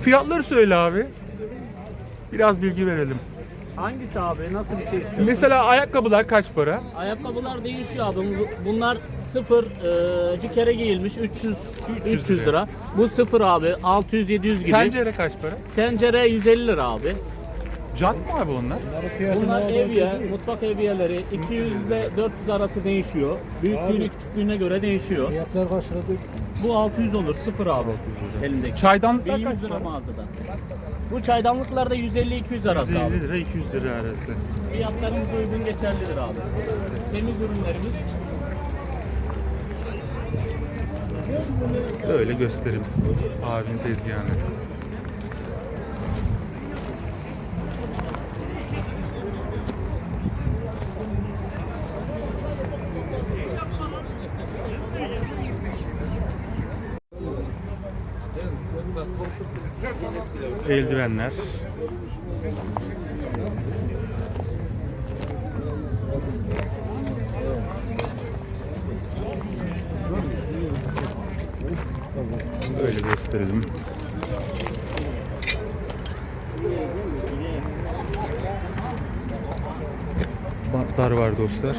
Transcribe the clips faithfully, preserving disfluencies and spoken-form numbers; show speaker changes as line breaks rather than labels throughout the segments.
Fiyatları söyle abi. Biraz bilgi verelim.
Hangisi abi? Nasıl bir şey istiyorsun?
Mesela ayakkabılar kaç para?
Ayakkabılar değişiyor abi. Bu- Bunlar sıfır e, bir kere giyilmiş üç yüz üç yüz lira. Bu sıfır abi altı yüz yedi yüz gibi.
Tencere kaç para?
Tencere yüz elli lira abi.
Jant mı abi onlar?
Bunlar evye, mutfak evyeleri iki yüz ile dört yüz arası değişiyor. Büyüklüğüne küçüklüğüne göre değişiyor.
Fiyatlar kaç lira?
Bu altı yüz olur sıfır abi elimdeki.
Çaydanlıklar
bin
kaç
yüz lira
para?
mağazada. Bu çaydanlıklar da yüz elli iki yüz arası abi.
yüz elli lira iki yüz lira arası.
Fiyatlarımız uygun geçerlidir abi. Temiz ürünlerimiz.
Öyle göstereyim abinin tezgahını. Eldivenler. Öyle gösterelim. Bantlar var dostlar.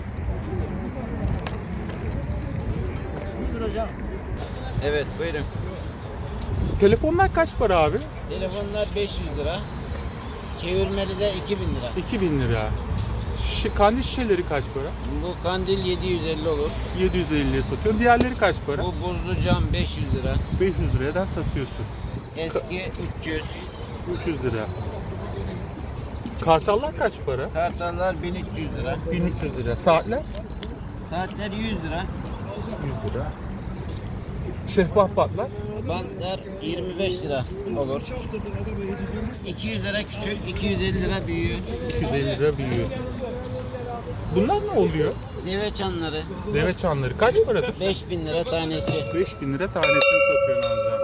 Evet buyurun.
Telefonlar kaç para abi?
Telefonlar beş yüz lira. Çevirmeli de iki bin lira.
iki bin lira. Şi, kandil şişeleri kaç para?
Bu kandil yedi yüz elli olur.
yedi yüz elliye satıyorsun. Diğerleri kaç para?
Bu buzlu cam beş yüz lira.
beş yüz liradan satıyorsun.
Eski üç yüz.
üç yüz lira. Kartallar kaç para?
Kartallar bin üç yüz lira.
bin üç yüz lira. Saatler?
Saatler yüz lira.
yüz lira. Şeffaf patlar?
Bantlar yirmi beş lira olur. iki yüz lira küçük, iki yüz elli lira büyüğü.
iki yüz elli lira büyüyor. Bunlar ne oluyor?
Deve çanları
Deve çanları kaç paradır?
beş bin lira tanesi.
beş bin lira tanesini satıyorsun amca.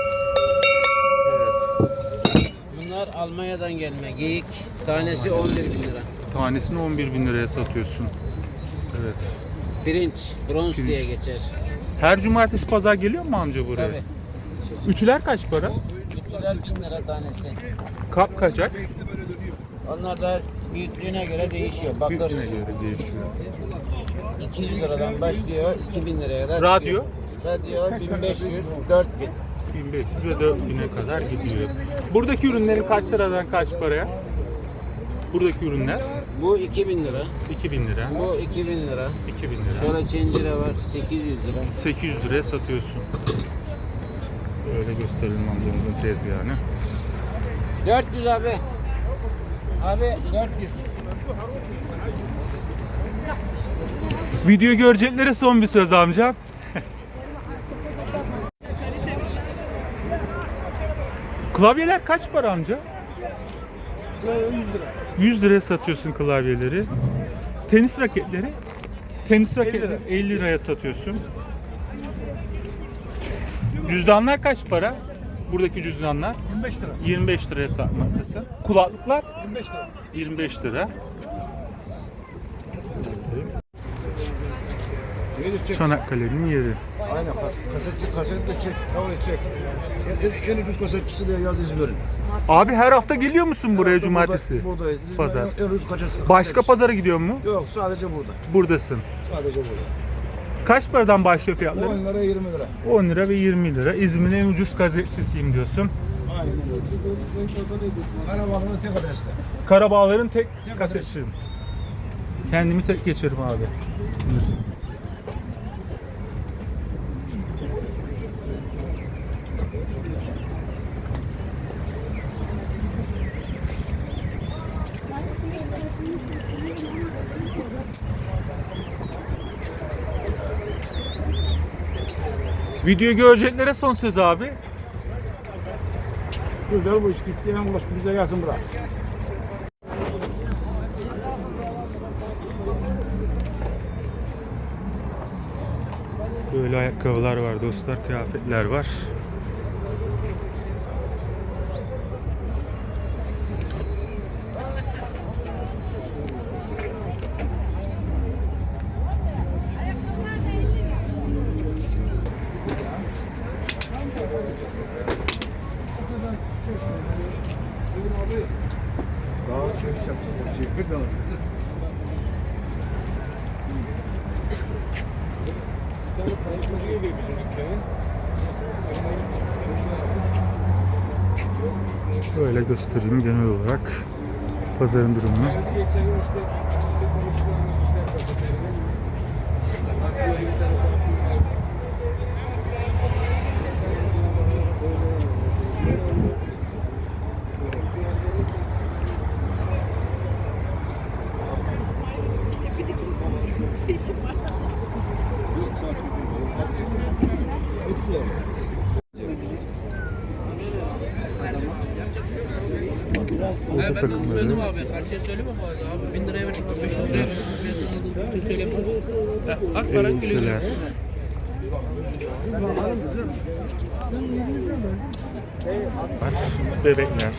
Evet.
Bunlar Almanya'dan gelme geyik. Tanesi on bir bin lira.
Tanesini on bir bin liraya satıyorsun. Evet.
Pirinç, bronz diye geçer.
Her cumartesi pazar geliyor mu amca buraya?
Tabii.
Ütüler kaç para?
Ütüler bin lira tanesi.
Kap kaçak?
Onlar da büyüklüğüne göre değişiyor. Bakır
Büyüklüğüne göre değişiyor.
iki yüz liradan başlıyor iki bin liraya kadar
Radyo?
çıkıyor. Radyo bin beş yüz, dört bin.
bin beş yüz ve dört bine kadar gidiyor. Buradaki ürünlerin kaç liradan kaç paraya? Buradaki ürünler
Bu iki bin lira.
iki bin lira.
Bu iki bin lira.
iki bin lira.
Sonra çencere var sekiz yüz lira.
sekiz yüz liraya satıyorsun. Böyle gösterelim amcamızın tezgahını.
dört yüz abi. Abi dört yüz.
Video göreceklere son bir söz amcam. Klavyeler kaç para amca?
yüz lira.
yüz liraya satıyorsun klavyeleri. Tenis raketleri? Tenis raketleri elli liraya satıyorsun. Cüzdanlar kaç para? Buradaki cüzdanlar
yirmi beş lira.
yirmi beş liraya satmaktasın. Kulaklıklar
yirmi beş lira.
yirmi beş lira. Çanakkale'nin yeri.
Aynen. Kasetçi kaset de çek. Kavga çek. En, en, en ucuz kasetçisi diye yaz İzmir'in.
Abi her hafta geliyor musun buraya cumartesi?
Burada, buradayız. İzmir'in
Pazar.
En, en ucuz kasetçisi.
Başka pazara gidiyor mu?
Yok sadece burada.
Buradasın.
Sadece burada.
Kaç paradan başlıyor fiyatları?
on lira yirmi lira.
on lira ve yirmi lira. İzmir'in en ucuz gazetesiyim diyorsun.
Aynen öyle. Karabağlı'da tek adreste.
Karabağların tek kasetçiyim. Kendimi tek geçerim abi. Diyorsun. Video göreceklere son söz abi.
Güzel bu iş. İsteyen ulaş bize gelsin bırak.
Böyle ayakkabılar var dostlar, kıyafetler var.
Daha şey yapacağım. Şey bir daha.
Böyle göstereyim genel olarak pazarın durumunu. Boza takımları.
Abi karşıya söyleme bu arada abi. bin liraya verdik. beş yüz liraya verdik. Bir şey söyleyeyim. Ak paran gülüyor.
Elbiseler. Var. Bebekler.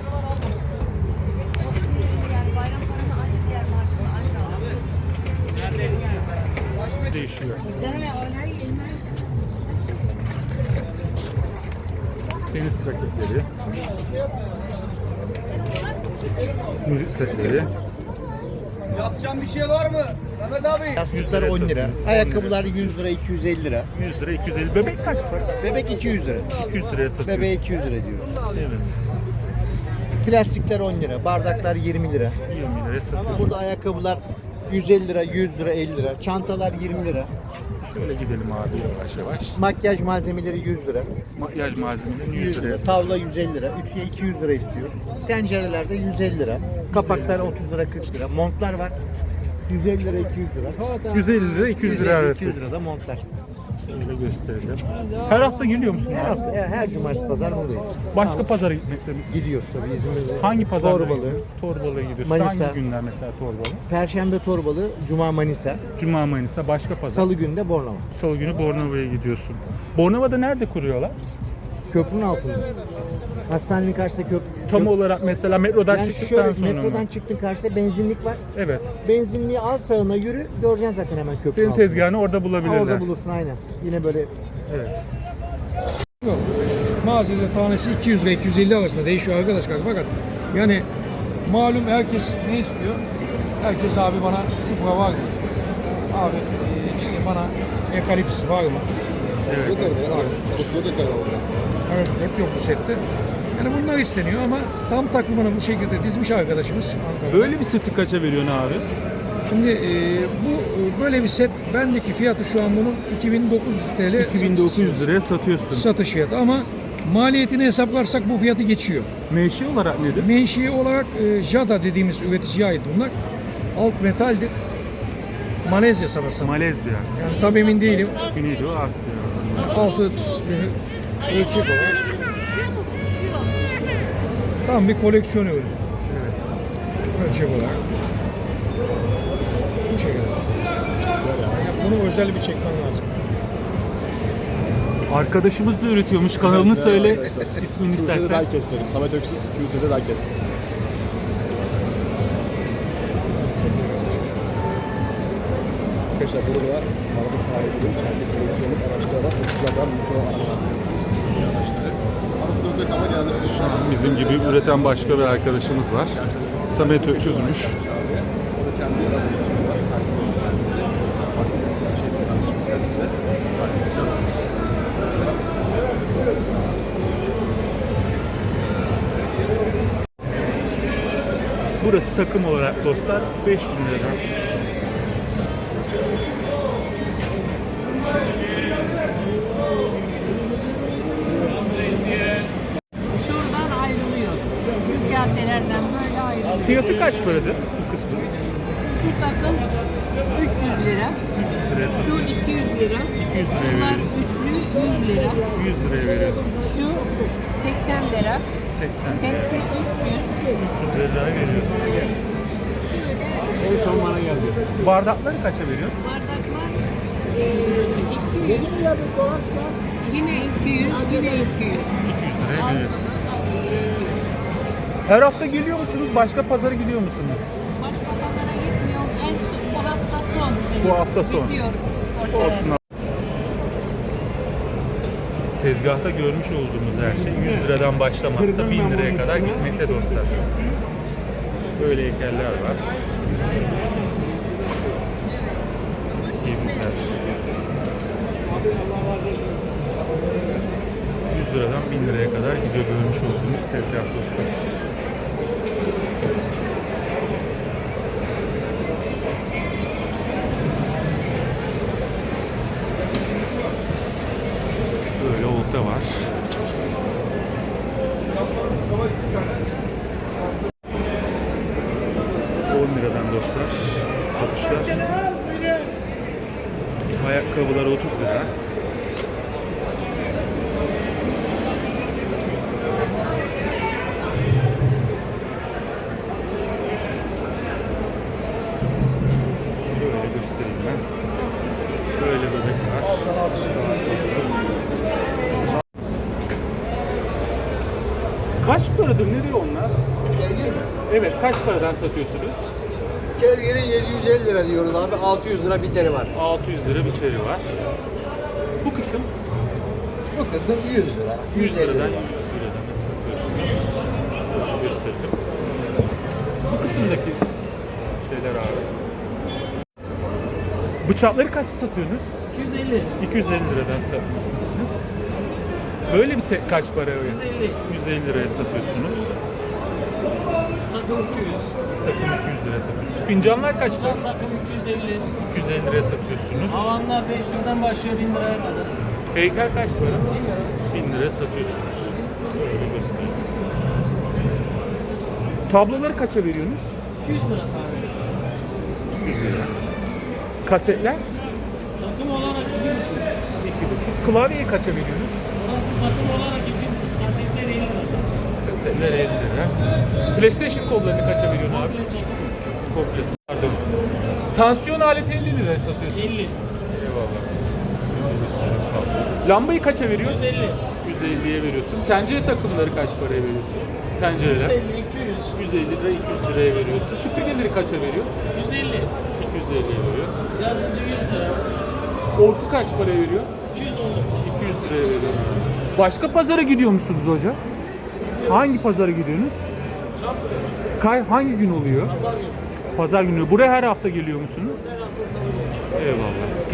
Değişiyor. Tenis raketleri. Müzik setleri.
Yapacağım bir şey var mı? Mehmet abi.
Yastıklar
yüz liraya
on lira.
satıyor.
Ayakkabılar yüz lira, iki yüz elli lira.
yüz lira, iki yüz elli. Bebek kaç para?
Bebek iki yüz lira.
iki yüz liraya satıyor.
Bebeğe iki yüz lira diyoruz.
Evet.
Plastikler on lira. Bardaklar yirmi lira.
yirmi liraya satıyor.
Burada ayakkabılar yüz elli lira, yüz lira, elli lira. Çantalar yirmi lira.
Şöyle gidelim abi yavaş yavaş.
Makyaj malzemeleri yüz lira.
Makyaj malzemeleri yüz
yüz
liraya
lira.
satıyor.
Tavla yüz elli lira. Ütüye iki yüz lira istiyoruz. Tencerelerde yüz elli lira. Kapaklar otuz lira, kırk lira. Montlar var. yüz elli lira, iki yüz lira.
yüz elli lira, iki yüz lira arası.
iki yüz lira da montlar.
Şöyle gösterelim. Her hafta geliyor musun?
Her
abi?
hafta, her, her cumartesi pazar buradayız.
Başka pazara gitmekte misin?
Gidiyoruz tabii İzmir'de.
Hangi pazara
Torbalı.
gidiyorsun? Torbalı'ya gidiyorsun.
Manisa.
Hangi günler mesela Torbalı?
Perşembe Torbalı, Cuma Manisa,
Cuma, Manisa, başka pazar.
Salı günü de Bornova.
Salı günü Bornova'ya gidiyorsun. Bornova'da nerede kuruyorlar?
Köprünün altında. Hastanenin karşısında köprü.
Tam olarak mesela metrodan
yani
çıktıktan
şöyle
sonra
metrodan
mı?
çıktın karşıda benzinlik var.
Evet.
Benzinliği al sağına yürü, göreceksin zaten hemen köprünün
Senin
altında.
tezgahını orada
Ha,
bulabilirler.
orada bulursun aynen. Yine böyle
Evet.
Mağazada tanesi iki yüz lira iki yüz elli arasında değişiyor arkadaşlar. Fakat yani malum herkes ne istiyor? Herkes abi bana sıfıra var mı? Abi e, işte bana ekalips var mı? Evet. Var. Evet, hep yok bu sette. Yani bunlar isteniyor ama tam takımını bu şekilde dizmiş arkadaşımız Ankara'da.
Böyle bir seti kaça veriyorsun abi?
Şimdi e, bu e, böyle bir set bendeki fiyatı şu an bunun iki bin dokuz yüz TL
iki bin dokuz yüz liraya satıyorsun.
satış fiyatı ama maliyetini hesaplarsak bu fiyatı geçiyor.
Menşe olarak nedir?
Menşei olarak e, Jada dediğimiz üreticiye ait bunlar. Alt metaldir. Malezya sanırsam.
Malezya.
Yani tam emin değilim.
Güneydoğu Asya.
Altı e, ölçek olarak. Tam bir koleksiyon ürünü.
Evet.
Ölçek olarak. Bu şekilde. Bunu özel bir çekmen lazım.
Arkadaşımız da üretiyormuş. Kanalını söyle. İsmini
Q S Z
istersen.
Diecast dedim. Samet Öksüz, Q S Z Diecast. Arkadaşlar burada mağaza sahibinin kendi koleksiyonluk araçlara otuzlardan mikro araçlar araçları. Araçlarımıza kama geldi.
Şu an bizim gibi üreten başka bir arkadaşımız var. Samet Öksüz'müş.
O da kendi araçları var. Sahip olan kendisi. Farklı bir şey tasarlamış kendisine.
Burası takım olarak dostlar beş bin lira.
Şuradan ayrılıyor. Rüzgartelerden böyle ayrılıyor.
Fiyatı kaç paradır bu kısmı?
Şu takım üç yüz lira.
üç yüz liraya
Şu iki yüz lira.
iki yüz liraya
Bunlar
veriyorsun.
üçlü yüz lira.
yüz liraya veriyorsun.
Şu seksen lira.
seksen lira.
Hepsi üç yüz.
üç yüz liraya veriyorsun.
Böyle
Bardakları kaça veriyorsun?
bardaklar eee, iki yüz. Yine iki yüz, yine iki yüz.
iki yüz liraya veriyorsun. Her hafta geliyor musunuz? Başka pazara gidiyor musunuz?
Başka pazara gitmiyorum. En son, bu hafta son.
Bu hafta son.
Bitiyor.
Olsun. tezgahta görmüş olduğumuz her şey yüz liradan başlamakta bin liraya kadar gitmekte dostlar. Böyle heykeller var. Keyifler. yüz liradan bin liraya kadar gidiyor görmüş olduğumuz tezgah dostlar. Böyle olta var. on liradan dostlar satışlar. Ayakkabılar otuz lira. Böyle göstereyim ben. Böyle bebek var. Kaç paradır? Ne diyor onlar?
Gergir mi?
Evet, kaç paradan satıyorsunuz?
Gergiri yedi yüz elli lira diyoruz abi. altı yüz lira biteri var.
altı yüz lira biteri var. Bu kısım
Bu kısım yüz lira.
yüz liradan
lira.
yüz liradan satıyorsunuz. Böyle gösterelim. Bu kısımdaki şeyler abi. Bıçakları kaç satıyorsunuz?
iki yüz elli.
iki yüz elli liradan satıyorsunuz. Böyle bir set kaç para?
yüz elli.
yüz elli liraya satıyorsunuz.
Takım iki yüz.
Takım iki yüz liraya satıyorsunuz. Fincanlar kaç para?
Can takım üç yüz elli.
iki yüz elli liraya satıyorsunuz.
Havanlar beş yüzden başlıyor bin liraya kadar.
Heykel kaç para? bin liraya satıyorsunuz. Böyle göstereyim. Tabloları kaça veriyorsunuz?
iki yüz lira tabii.
iki yüz lira. Kasetler?
Takım olarak iki buçuk.
iki buçuk. Klavyeyi kaça veriyorsunuz?
Burası takım olarak iki buçuk. Kasetler elli lira.
Kasetler elli lira. PlayStation kollarını kaça veriyorsun abi?
Komple takım.
Komple. Pardon. Tansiyon aleti elli liraya satıyorsun.
elli.
Eyvallah. Lambayı kaça veriyorsun?
yüz elli.
yüz elliye veriyorsun. Tencere takımları kaç paraya veriyorsun? Tencereler.
yüz elli, iki yüz.
yüz elli lira, iki yüz liraya veriyorsun. Süpürgeleri kaça veriyor?
yüz elli.
iki yüz elliye veriyor.
Yazıcı yüz lira.
Orku kaç paraya veriyor?
iki yüz oldu.
iki yüz liraya veriyor. Başka pazara gidiyor musunuz hoca? Hangi pazara gidiyorsunuz? Kay hangi gün oluyor?
Pazar günü.
Pazar günü. Buraya her hafta geliyor musunuz?
Her hafta salı günü.
Eyvallah.